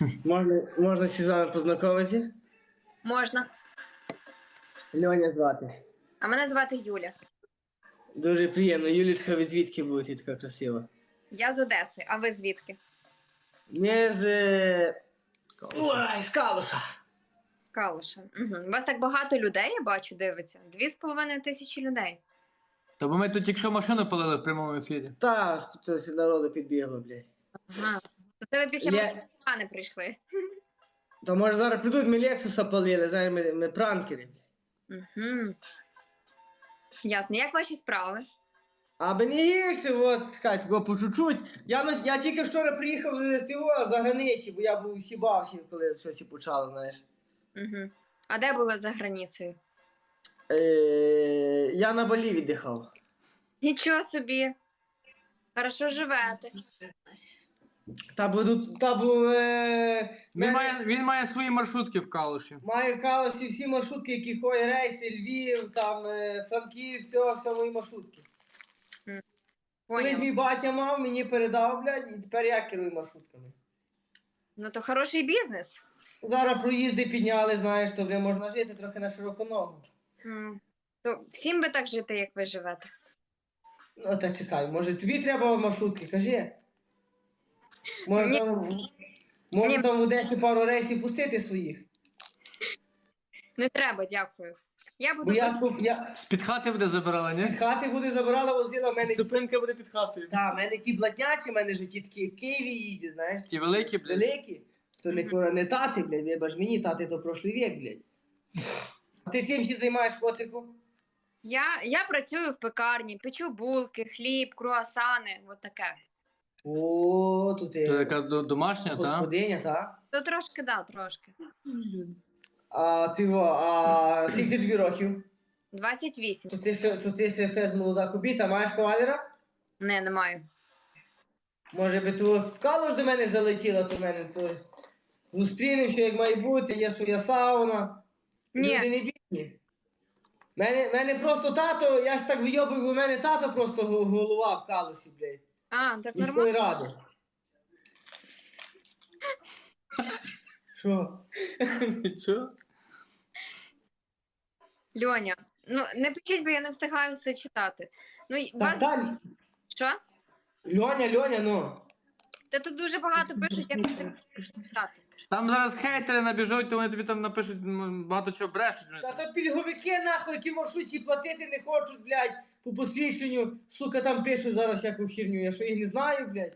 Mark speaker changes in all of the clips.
Speaker 1: Можна ще з вами познайомитися?
Speaker 2: Можна.
Speaker 1: Льоня звати.
Speaker 2: А мене звати Юля.
Speaker 1: Дуже приємно. Юлічка, ви звідки будете така красива?
Speaker 2: Я з Одеси, а ви звідки?
Speaker 1: Не з... Ой, з Калуша.
Speaker 2: Калуша. Угу. У вас так багато людей, я бачу, дивиться. 2,5 тисячі людей.
Speaker 3: Та бо ми тут тільки що машину палили в прямому ефірі.
Speaker 1: Та, хтось народу підбігло, блядь.
Speaker 2: Ага. То це ви після мене прийшли.
Speaker 1: То може зараз прийдуть, ми Лексуса палили, зараз ми пранкери.
Speaker 2: Угу. Ясно. Як ваші справи?
Speaker 1: Аби не гірше, от, чекайте, по чуть-чуть. Я тільки вчора приїхав з ТВО за границі, бо я був сібався, коли щось і почало, знаєш.
Speaker 2: Угу. А де були за границею?
Speaker 1: Я на Балі віддихав.
Speaker 2: Нічого собі. Хорошо живете.
Speaker 3: Він має свої маршрутки в Калуші.
Speaker 1: Маю в Калуші всі маршрутки, які ходять, рейси, Львів, там, Франків, все мої маршрутки. Колись
Speaker 2: Поняла.
Speaker 1: мій батя мав, мені передав, блядь, і тепер я керую маршрутками.
Speaker 2: Ну то хороший бізнес.
Speaker 1: Зараз проїзди підняли, знаєш, то, блядь, можна жити трохи на широку ногу.
Speaker 2: То всім би так жити, як ви живете.
Speaker 1: Ну, та чекай, може тобі треба маршрутки, кажи. Може
Speaker 2: Ні.
Speaker 1: там в Одесі пару рейсів пустити своїх.
Speaker 2: Не треба, дякую. Я буду
Speaker 1: Бо я
Speaker 3: З-під хати буде забирала, ні?
Speaker 1: від хати буде забирала, возила в мене.
Speaker 3: Зупинка буде під хатою.
Speaker 1: Та, в мене ті бладнячі, в мене ж ті такі в Києві їздять, знаєш.
Speaker 3: Ті великі, блядь.
Speaker 1: Великі. То не тати, блядь, вибач мені, тати то прошлий вік, блядь. А ти чим ще займаєш, котику?
Speaker 2: Я працюю в пекарні, печу булки, хліб, круасани, от таке.
Speaker 1: О, тут
Speaker 3: Це
Speaker 1: ти
Speaker 3: така домашня, та?
Speaker 1: господиня, та?
Speaker 2: То трошки, да, трошки.
Speaker 1: А скільки тобі років?
Speaker 2: 28.
Speaker 1: То ти ще фез молода кубіта, маєш кавалера?
Speaker 2: Не маю.
Speaker 1: Може би ти в Калуш до мене залетіла, то в мене то зустрінемося, як має бути, є своя сауна.
Speaker 2: Ні.
Speaker 1: Люди не бідні. Мене просто тато, я ж так вийобую, бо в мене тато просто голова в Калуші, блядь.
Speaker 2: А, так
Speaker 1: Міської
Speaker 2: нормально.
Speaker 1: ради. Що?
Speaker 3: Що?
Speaker 2: Льоня, ну не пишіть, бо я не встигаю все читати. Ну,
Speaker 1: Так, далі.
Speaker 2: Що?
Speaker 1: Льоня, ну.
Speaker 2: Та тут дуже багато пишуть, як ти читати.
Speaker 3: Там зараз хейтери набіжуть, то вони тобі там напишуть багато чого брешуть.
Speaker 1: Та то пільговики, нахуй, які маршрутці платити не хочуть, блядь, по посвідченню. Сука, там пишуть зараз всяку херню, я що їх не знаю, блядь.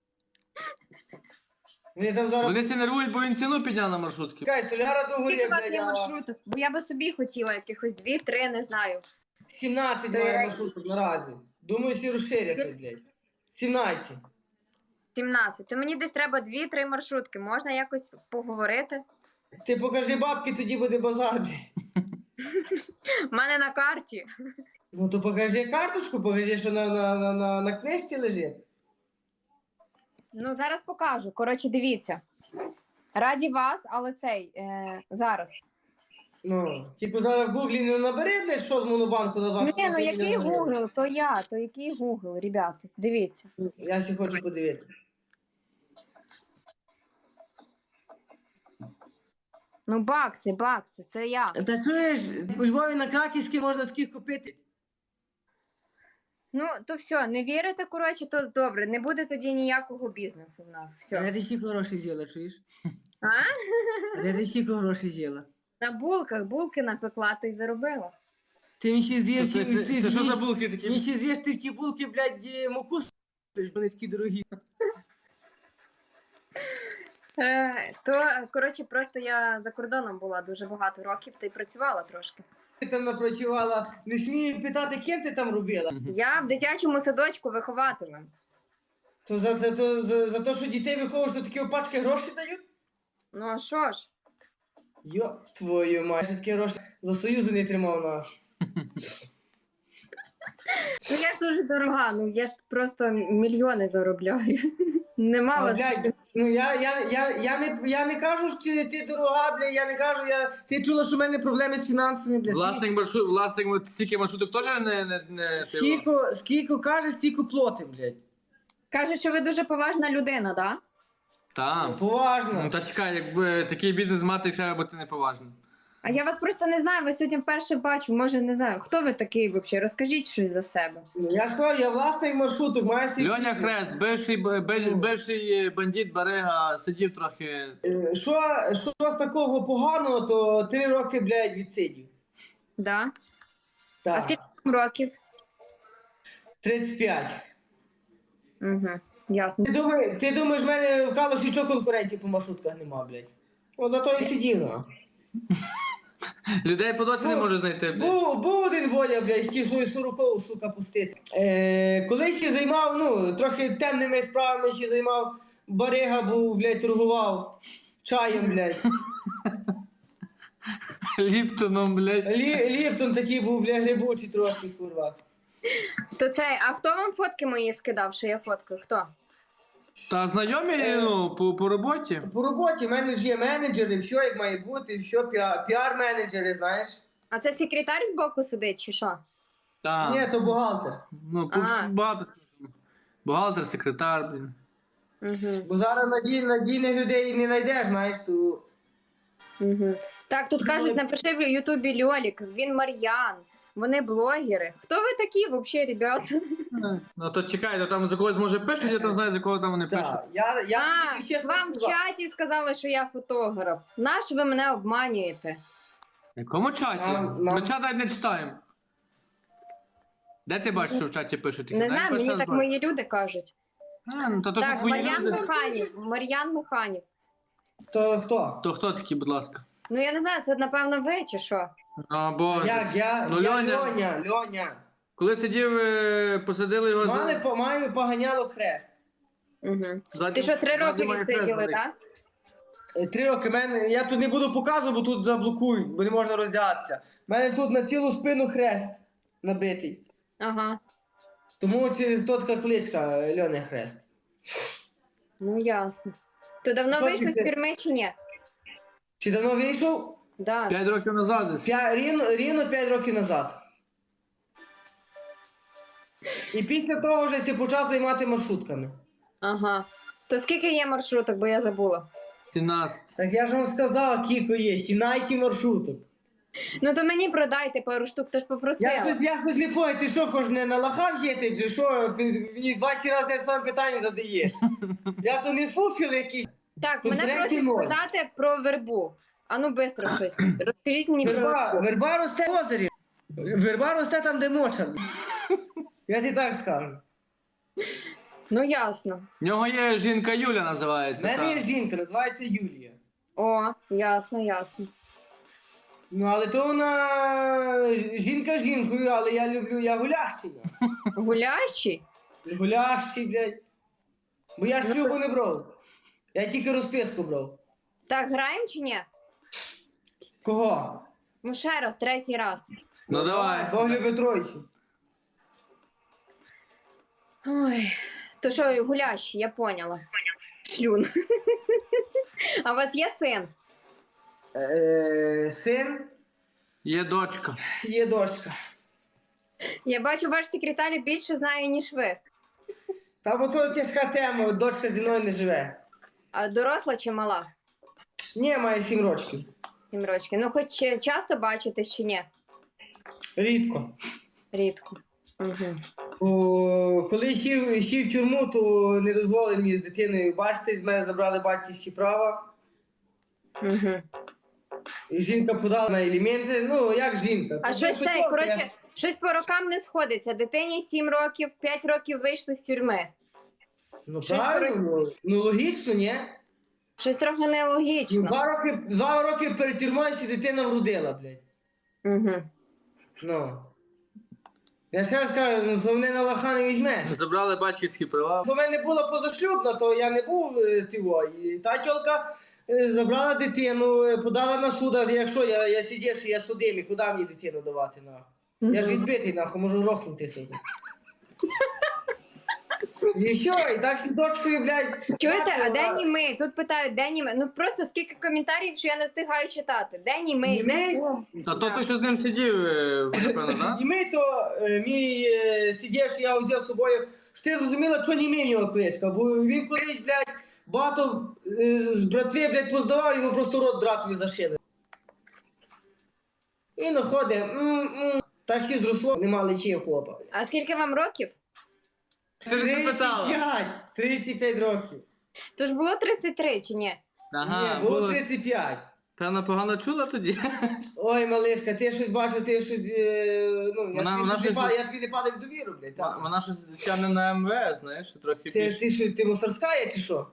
Speaker 1: Вони там зараз...
Speaker 3: Вони всі нервують, бо він ціну підняв на маршрутки.
Speaker 1: Чекай, соляра до горі,
Speaker 2: Скільки у вас
Speaker 1: блядь,
Speaker 2: є
Speaker 1: а
Speaker 2: маршруток? Бо я би собі хотіла якихось 2-3, не знаю.
Speaker 1: 17 має маршруток наразі. Думаю, всі розширяться, блядь. 17.
Speaker 2: 17. То мені десь треба 2-3 маршрутки. Можна якось поговорити?
Speaker 1: Ти покажи бабки, тоді буде базар, блядь.
Speaker 2: У мене на карті.
Speaker 1: Ну то покажи карточку, покажи, що на книжці лежить.
Speaker 2: Ну, зараз покажу. Коротше, дивіться. Раді вас, але зараз.
Speaker 1: Ну, типу зараз в гуглі не набери, блядь, що з монобанку на 2
Speaker 2: Ні, ну який
Speaker 1: мільйони гривень.
Speaker 2: Google, то який Google, ребята, дивіться.
Speaker 1: Я сі хочу подивитися.
Speaker 2: Ну, бакси, це я.
Speaker 1: Та чуєш, у Львові на Краківській можна таких купити.
Speaker 2: Ну, то все, не вірите, коротше, то добре, не буде тоді ніякого бізнесу в нас.
Speaker 1: А
Speaker 2: Все.
Speaker 1: де ти скільки грошей з'їла, чуєш?
Speaker 2: А?
Speaker 1: А де ти скільки грошей з'їла?
Speaker 2: На булки напекла, та й заробила.
Speaker 1: Ти мені ще з'їв,
Speaker 3: Це що за булки такі?
Speaker 1: Мені ще з'їш ти в ті булки, блядь, муку с***ш, вони такі дорогі.
Speaker 2: То, коротше, просто я за кордоном була дуже багато років та й працювала трошки.
Speaker 1: Ти там напрацювала, не смію питати, ким ти там робила.
Speaker 2: Я в дитячому садочку вихователем.
Speaker 1: То за те, що дітей виховуєш, то такі опачки гроші дають?
Speaker 2: Ну а що ж?
Speaker 1: Йо, твою мать, ще такі гроші за Союзу не тримав на.
Speaker 2: Ну я ж дуже дорога, ну я ж просто мільйони заробляю. Нема
Speaker 1: А,
Speaker 2: вас.
Speaker 1: блядь, ну я не кажу, що ти дорога, блядь, я не кажу, ти чула, що в мене проблеми з фінансами, блядь.
Speaker 3: Власник стільки маршруток теж не
Speaker 1: Скільки кажеш, стільки платим, блядь.
Speaker 2: Кажуть, що ви дуже поважна людина, да?
Speaker 3: Там.
Speaker 1: Поважно.
Speaker 3: Ну та чекай, якби такий бізнес мати, треба бути неповажним.
Speaker 2: А я вас просто не знаю, ви сьогодні вперше бачу, може не знаю. Хто ви такий взагалі? Розкажіть щось за себе.
Speaker 1: Я сказав, я власний маршруток, маю свій
Speaker 3: Льоня
Speaker 1: бізнес.
Speaker 3: Хрест, бивший бандит Барига, сидів трохи.
Speaker 1: Що з такого поганого, то 3 роки, блядь, відсидів.
Speaker 2: Да? А
Speaker 1: Так,
Speaker 2: скільки вам років?
Speaker 1: 35.
Speaker 2: Угу. Ясно.
Speaker 1: Ти думаєш, в мене в Калуші що конкурентів по маршрутках нема, блядь? О, зато і сидів, ну.
Speaker 3: Людей по досі не
Speaker 1: Ну,
Speaker 3: може знайти. блядь.
Speaker 1: Був один Бодя, блядь, хотів свою 40-ку, сука, пустити. Колись ще займав, ну, трохи темними справами ще займав. Барига був, блядь, торгував чаєм, блядь.
Speaker 3: Ліптоном, блядь.
Speaker 1: Ліптон такий був, блядь, грибучий трохи, курва.
Speaker 2: То це, а хто вам фотки мої скидав, що я фоткаю? Хто?
Speaker 3: Та знайомі, ну, по роботі.
Speaker 1: По роботі в мене ж є менеджери, все як має бути, все, піар-менеджери, знаєш.
Speaker 2: А це секретар збоку сидить, чи що?
Speaker 3: Та.
Speaker 1: Ні, то бухгалтер.
Speaker 3: Ну,
Speaker 2: А.
Speaker 3: багато. Бухгалтер, секретар, блін.
Speaker 2: Угу.
Speaker 1: Бо зараз надійних людей не знайдеш, знаєш, то...
Speaker 2: Угу. Так, тут кажуть, напиши в Ютубі Льолік, він Мар'ян, вони блогери. Хто ви такі взагалі, ребята?
Speaker 3: Ну то чекай, то там за когось може пишуть, я там знаю, за кого там вони пишуть.
Speaker 1: Так, я
Speaker 2: А,
Speaker 1: тобі чесно
Speaker 2: вам в
Speaker 1: сказав.
Speaker 2: чаті сказали, що я фотограф. Наш ви мене обманюєте?
Speaker 3: В якому чаті?
Speaker 1: Нам-
Speaker 3: Ми чат навіть не читаємо. Де ти бачиш, що в чаті пишуть?
Speaker 2: Не знаю, мені так мої люди кажуть.
Speaker 3: А, ну то що
Speaker 2: Так,
Speaker 3: твої
Speaker 2: Мар'ян
Speaker 3: люди.
Speaker 2: Механів, Мар'ян Механів.
Speaker 1: То хто?
Speaker 3: То хто такі, будь ласка?
Speaker 2: Ну я не знаю, це напевно ви чи що?
Speaker 3: О, Боже.
Speaker 1: Я
Speaker 3: Ну,
Speaker 1: Льоня.
Speaker 3: Коли сидів, посадили його
Speaker 1: Маю поганяло хрест.
Speaker 2: Угу.
Speaker 3: Ззаді-
Speaker 2: Ти що, 3 роки
Speaker 3: ззаді має хрест
Speaker 2: відсиділи,
Speaker 3: великий.
Speaker 2: так?
Speaker 1: 3 роки. Я тут не буду показувати, бо тут заблокують, бо не можна роздягатися. У мене тут на цілу спину хрест набитий.
Speaker 2: Ага.
Speaker 1: Тому через то така кличка Льоня Хрест.
Speaker 2: Ну ясно. То давно
Speaker 1: Що
Speaker 2: вийшли з
Speaker 1: ти-
Speaker 2: тюрми чи ні?
Speaker 1: Чи давно вийшов?
Speaker 2: Да.
Speaker 3: 5 років назад десь.
Speaker 1: Рівно 5 років назад. І після того вже ти почав займати маршрутками.
Speaker 2: Ага. То скільки є маршруток, бо я забула.
Speaker 3: 17.
Speaker 1: Так я ж вам сказав, кілько є, 17 маршруток.
Speaker 2: Ну то мені продайте пару штук, то ж попросила.
Speaker 1: Я щось не понял, ти що, хоч не на лахав жити, чи що? Ти мені 20 разів те саме питання задаєш. Я то не фуфіл якийсь.
Speaker 2: Так, мене
Speaker 1: Конкретні
Speaker 2: просять
Speaker 1: ноль.
Speaker 2: спитати про вербу. А ну швидко щось. Розкажіть мені про вербу.
Speaker 1: Верба росте в озері. Верба росте там, де моча. Я тобі так скажу.
Speaker 2: Ну ясно.
Speaker 3: В нього є жінка Юля
Speaker 1: У
Speaker 3: називається.
Speaker 1: мене є
Speaker 3: та.
Speaker 1: жінка, називається Юлія.
Speaker 2: О, ясно, ясно.
Speaker 1: Ну, але то вона жінка жінкою, але я гулящий.
Speaker 2: Гулящий?
Speaker 1: Гулящий, блядь. Бо я ж шлюбу не брав. Я тільки розписку брав.
Speaker 2: Так, граємо чи ні?
Speaker 1: Кого?
Speaker 2: Ну ще раз, 3-й раз.
Speaker 3: Ну давай.
Speaker 1: Бог любить тройцю.
Speaker 2: Ой, то що, гулящий, я поняла. Шлюн. А у вас є син?
Speaker 1: Син,
Speaker 3: Є дочка.
Speaker 1: є дочка.
Speaker 2: Я бачу, ваш секретар більше знає, ніж ви.
Speaker 1: Та бо то тяжка тема, дочка зі мною не живе.
Speaker 2: А доросла чи мала?
Speaker 1: Ні, має 7 років.
Speaker 2: 7 років. Ну, хоч часто бачитесь чи ні?
Speaker 1: Рідко.
Speaker 2: Рідко. Угу.
Speaker 1: Коли йшов в тюрму, то не дозволив мені з дитиною бачитись, з мене забрали батьківські права.
Speaker 2: Угу.
Speaker 1: І жінка подала на елементи. Ну, як жінка?
Speaker 2: А
Speaker 1: То
Speaker 2: щось
Speaker 1: ну,
Speaker 2: це,
Speaker 1: що,
Speaker 2: коротше,
Speaker 1: я-
Speaker 2: щось по рокам не сходиться. Дитині 7 років, 5 років вийшли з тюрми.
Speaker 1: Ну
Speaker 2: щось
Speaker 1: правильно, ну логічно, ні?
Speaker 2: Щось трохи
Speaker 1: Ну,
Speaker 2: нелогічно.
Speaker 1: 2 роки перед тюрмою ще дитина вродила, блядь.
Speaker 2: Угу.
Speaker 1: Ну. Я ще раз кажу, ну то мене на лоха не візьме.
Speaker 3: Забрали батьківські права.
Speaker 1: То в мене була позашлюбна, то я не був тиво. І та тьолка забрала дитину, подала на суд, а якщо я сидів, що я судимий, куди мені дитину давати, нахуй? Я ж відбитий, нахуй, можу рохнути собі. І що, і так з дочкою, блядь.
Speaker 2: Чуєте, а де
Speaker 1: мати,
Speaker 2: німий? Тут питають, де німий? Ну просто скільки коментарів, що я не встигаю читати. Де німий?
Speaker 1: Німий?
Speaker 2: Де кум?
Speaker 3: А то ти що з ним сидів, напевно, так?
Speaker 1: І ми то, мій сидів, що я взяв з собою, що ти зрозуміла, що не мій в нього кличка, бо він колись, блядь, багато з братви, блядь, поздавав, йому просто рот братові зашили. І находить, так і зросло, нема лечі у хлопа.
Speaker 2: А скільки вам років?
Speaker 3: Ти ж це питала.
Speaker 1: 35 років.
Speaker 2: Тож було 33 чи ні?
Speaker 3: Ага,
Speaker 1: Ні, було
Speaker 3: було.
Speaker 1: 35.
Speaker 3: Певно, погано чула тоді.
Speaker 1: Ой, малишка, ти щось бачив, ти щось, ну,
Speaker 3: Вона щось-
Speaker 1: я тобі не падав в довіру, блядь. так.
Speaker 3: Вона щось тягне на МВС, знаєш, трохи
Speaker 1: Ти,
Speaker 3: більше.
Speaker 1: ти що, ти мусорська є, чи що?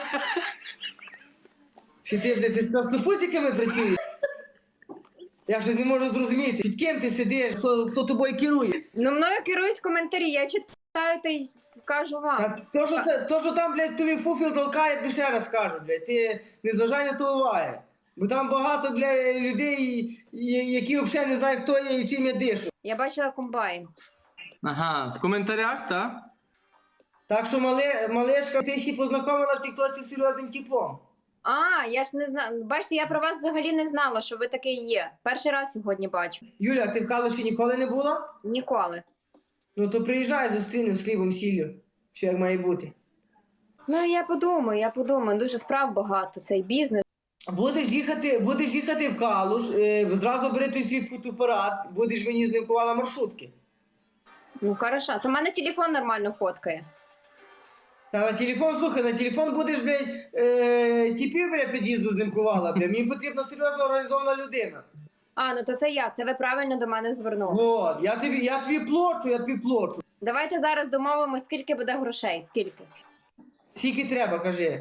Speaker 1: Чи ти, блядь, ти з краснопустиками працюєш? Я щось не можу зрозуміти, під ким ти сидиш, хто тобою керує.
Speaker 2: Ну, мною керують коментарі, я читаю та й кажу вам.
Speaker 1: Та то, що там, блядь, тобі фуфіл толкає, тобі ще раз кажу, блядь, ти не зважай на то уваги. Бо там багато, блядь, людей, які взагалі не знають, хто є і чим я дишу.
Speaker 2: Я бачила комбайн.
Speaker 3: Ага, в коментарях, так?
Speaker 1: Так що, малешка, ти ще познайомила в тіктоці з серйозним типом.
Speaker 2: А, я ж не знаю. Бачите, я про вас взагалі не знала, що ви такий є. Перший раз сьогодні бачу.
Speaker 1: Юля, ти в Калуші ніколи не була?
Speaker 2: Ніколи.
Speaker 1: Ну то приїжджай, зустрінемо з хлібом, сіллю, що як має бути.
Speaker 2: Ну, я подумаю. Дуже справ багато, цей бізнес.
Speaker 1: Будеш їхати в Калуш, зразу бери той свій фотоапарат, будеш мені знімкувала маршрутки.
Speaker 2: Ну, хорошо. То в мене телефон нормально фоткає.
Speaker 1: Та на телефон, слухай, на телефон будеш, блядь, тіпів, блядь, під'їзду знімкувала, блядь. Мені потрібна серйозно організована людина.
Speaker 2: А, ну то це я. Це ви правильно до мене звернули.
Speaker 1: Вот, я тобі плачу.
Speaker 2: Давайте зараз домовимось, скільки буде грошей. Скільки?
Speaker 1: Скільки треба, кажи.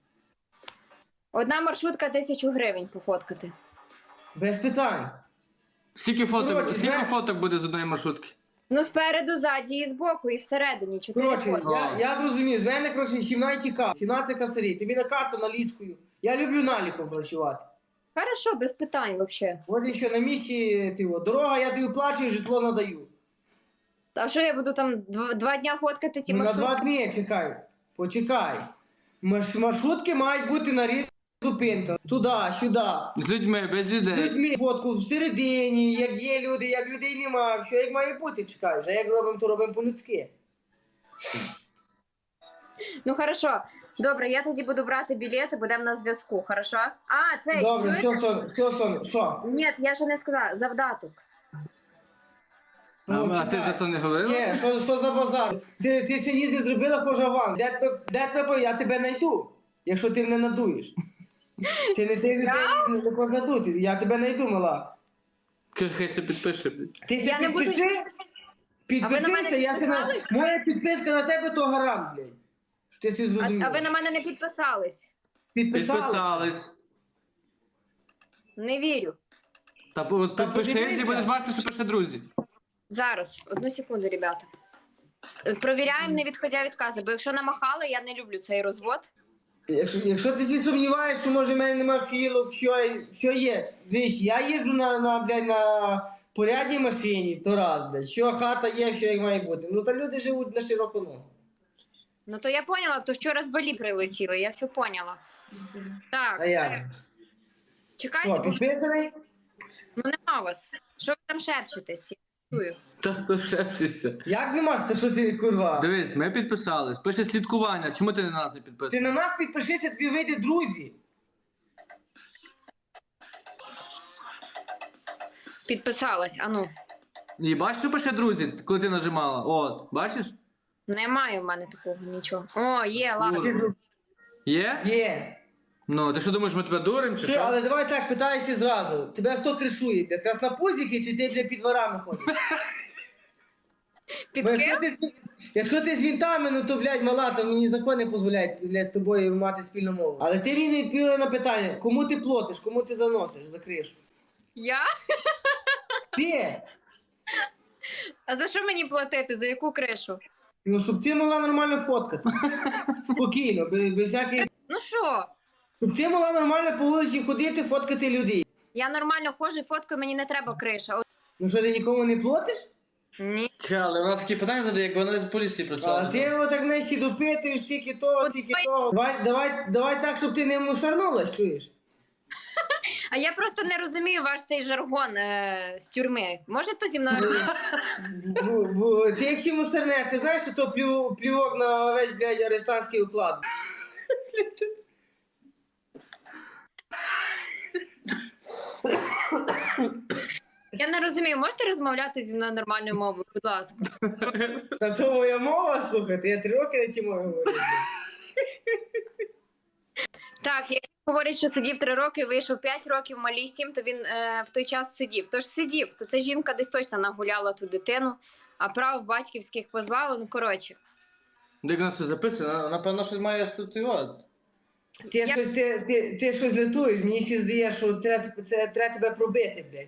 Speaker 2: Одна маршрутка 1000 гривень пофоткати.
Speaker 1: Без питань.
Speaker 3: Скільки фоток,
Speaker 1: Коротше,
Speaker 3: скільки
Speaker 1: знаєш-
Speaker 3: фоток буде з одної маршрутки?
Speaker 2: Ну, спереду, ззаді і збоку, і всередині. 4
Speaker 1: Коротше,
Speaker 2: фотки.
Speaker 1: я зрозумів, з мене, коротше, 17 касарів, тобі на карту налічкою. Я люблю наліком працювати.
Speaker 2: Хорошо, без питань взагалі.
Speaker 1: От і що, на місці, дорога, я тобі плачу і житло надаю.
Speaker 2: А що я буду там 2 дня фоткати ті
Speaker 1: Ну, на
Speaker 2: маршрутки?
Speaker 1: 2 дні, чекай, почекай. Маршрутки мають бути на різних зупинках. Туди, сюди.
Speaker 3: З людьми, без
Speaker 1: З
Speaker 3: людей.
Speaker 1: людьми, фотку всередині, як є люди, як людей немає, що як має бути, чекай. Вже як робимо, то робимо по-людськи.
Speaker 2: Ну, хорошо. Добре, я тоді буду брати білети, будемо на зв'язку, хорошо? А, це...
Speaker 1: Добре,
Speaker 2: чуєте?
Speaker 1: все, сон, що?
Speaker 2: Ні, я ще не сказала. Завдаток.
Speaker 1: Ну,
Speaker 3: А ти
Speaker 1: чекай.
Speaker 3: за то не говорила?
Speaker 1: Ні, що за базар? Ти ще ніс не зробила хожа аванс. Де тебе, я тебе знайду, якщо ти мене надуєш. Ти не познадути, я тебе знайду, мала.
Speaker 3: Каже, хай се підпише.
Speaker 1: Ти
Speaker 2: Я
Speaker 1: се
Speaker 2: не буду-
Speaker 1: підпиши,
Speaker 2: А ви на мене
Speaker 1: підпишися, я се на...
Speaker 2: підписались?
Speaker 1: Моя підписка на тебе то гарант, блядь. Що ти собі зрозумів.
Speaker 2: А ви на мене не підписались?
Speaker 3: Підписались.
Speaker 2: Не вірю.
Speaker 3: Та підпишись і
Speaker 1: подивися.
Speaker 3: будеш бачити, що пише друзі.
Speaker 2: Зараз, одну секунду, ребята. Провіряємо, не відходя від кази, бо якщо намахали, я не люблю цей розвод.
Speaker 1: Якщо ти сі сумніваєш, що може в мене нема філок, що є. Дивись, я їжджу на порядній машині, то раз, блядь. Що хата є, що як має бути. Ну та люди живуть на широку ногу.
Speaker 2: Ну то я поняла, то вчора з Балі прилетіли, я все поняла.
Speaker 1: А
Speaker 2: Так,
Speaker 1: я.
Speaker 2: чекайте,
Speaker 1: Що,
Speaker 2: бо
Speaker 1: підписаний?
Speaker 2: ну нема вас. Що ви там шепчетесь? Я чую.
Speaker 3: Та хто шепчешся.
Speaker 1: Як нема, та що ти, курва?
Speaker 3: Дивись, ми підписались. Пише слідкування. Чому ти на нас не
Speaker 1: Ти
Speaker 3: підписаний?
Speaker 1: на нас підпишися, тобі вийде друзі.
Speaker 2: Підписалась, а ну.
Speaker 3: І бачиш, що пише друзі, коли ти нажимала? От, бачиш?
Speaker 2: Немає в мене такого нічого. О, є, ладно.
Speaker 1: Ти друг-
Speaker 3: Є?
Speaker 1: Є.
Speaker 3: Ну, ти що думаєш, ми тебе дуримо чи
Speaker 1: Що,
Speaker 3: що?
Speaker 1: але давай так, питайся зразу. Тебе хто кришує, бля? Краснопузики чи ти, бля, під дворами ходиш?
Speaker 2: Під
Speaker 1: Бо
Speaker 2: ким?
Speaker 1: якщо ти з вінтами, ну то, блядь, мала, то мені закон не дозволяють, блядь, з тобою мати спільну мову. Але ти мені не відповіла на питання, кому ти платиш, кому ти заносиш за кришу?
Speaker 2: Я?
Speaker 1: Ти!
Speaker 2: А за що мені платити? За яку кришу?
Speaker 1: Ну, щоб ти могла нормально фоткати. Спокійно, без всяких...
Speaker 2: Ну що?
Speaker 1: Щоб ти могла нормально по вулиці ходити, фоткати людей.
Speaker 2: Я нормально ходжу, фоткаю, мені не треба криша. От...
Speaker 1: Ну що, ти нікому не платиш?
Speaker 2: Ні.
Speaker 3: Ча, але вона такі питання задає, якби вона з поліції
Speaker 1: А
Speaker 3: працювала.
Speaker 1: ти його так нижче допитуєш, стільки того,
Speaker 2: От
Speaker 1: стільки
Speaker 2: ви-
Speaker 1: того. Давай так, щоб ти не мусорнулась, чуєш?
Speaker 2: А я просто не розумію ваш цей жаргон з тюрми. Можете зі мною розмовляти?
Speaker 1: Ти як мусорнеш, ти знаєш, що то плювок на весь, блядь, арестантський уклад?
Speaker 2: Я не розумію, можете розмовляти зі мною нормальною мовою, будь ласка.
Speaker 1: Та то моя мова, слухайте, я 3 роки на тій мові говорю.
Speaker 2: Так, як він говорить, що сидів 3 роки, вийшов 5 років, малій 7, то він в той час сидів. Тож сидів, то ця жінка десь точно нагуляла ту дитину, а прав батьківських позбавила, ну коротше.
Speaker 3: Де в нас все записано? Напевно, щось має статуювати.
Speaker 1: Ти щось летуєш, мені всі здається, що треба тебе пробити, блядь.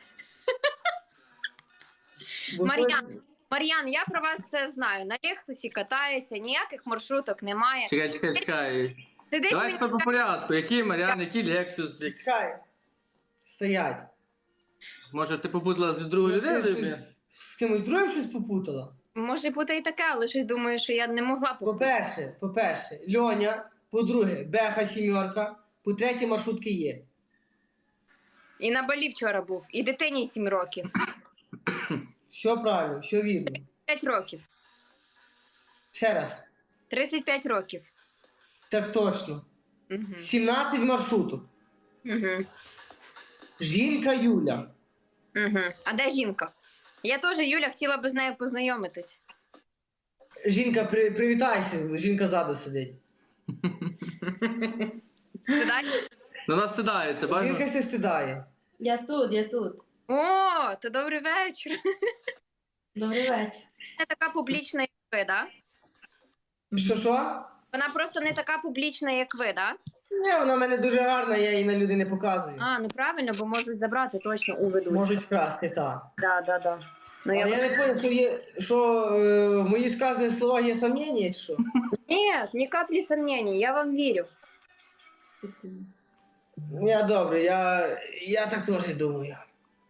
Speaker 1: Бо
Speaker 2: Мар'ян, я про вас все знаю. На Лексусі катаєшся, ніяких маршруток немає.
Speaker 3: Чекай.
Speaker 2: Ти десь
Speaker 3: Давай
Speaker 2: мені
Speaker 3: тепер по порядку. Який Мар'ян, який Лексус?
Speaker 1: Чекай. Стоять.
Speaker 3: Може, ти попутала з другою
Speaker 1: Ну, це
Speaker 3: людиною?
Speaker 1: щось-
Speaker 3: блін?
Speaker 1: З кимось другим щось попутала?
Speaker 2: може бути і таке, але щось думаю, що я не могла
Speaker 1: По-перше, Льоня, по-друге, Беха 7, по-третє, маршрутки є.
Speaker 2: І на Балі вчора був, і дитині 7 років.
Speaker 1: Все правильно, все вірно.
Speaker 2: 5 років.
Speaker 1: Ще раз.
Speaker 2: 35 років.
Speaker 1: Так точно.
Speaker 2: Угу.
Speaker 1: 17 маршруток.
Speaker 2: Угу.
Speaker 1: Жінка Юля.
Speaker 2: Угу. А де жінка? Я теж, Юля, хотіла б з нею познайомитись.
Speaker 1: Жінка, привітайся, жінка ззаду сидить.
Speaker 2: Ти далі?
Speaker 3: На нас сідається,
Speaker 1: Жінка
Speaker 3: бачиш?
Speaker 1: се стидає.
Speaker 4: Я тут.
Speaker 2: О, то добрий вечір.
Speaker 4: Добрий вечір.
Speaker 2: Не така публічна, як ви, да?
Speaker 1: Що?
Speaker 2: Вона просто не така публічна, як ви, да?
Speaker 1: Ні, вона в мене дуже гарна, я її на люди не показую.
Speaker 2: А, ну правильно, бо можуть забрати точно у ведучу.
Speaker 1: Можуть вкрасти, так.
Speaker 2: Да. Ну,
Speaker 1: Але я не зрозумів, що в моїх сказаних словах є сумніння, чи що?
Speaker 2: Нет, ни капли сомнений, я вам верю.
Speaker 1: Я добре, я так теж думаю.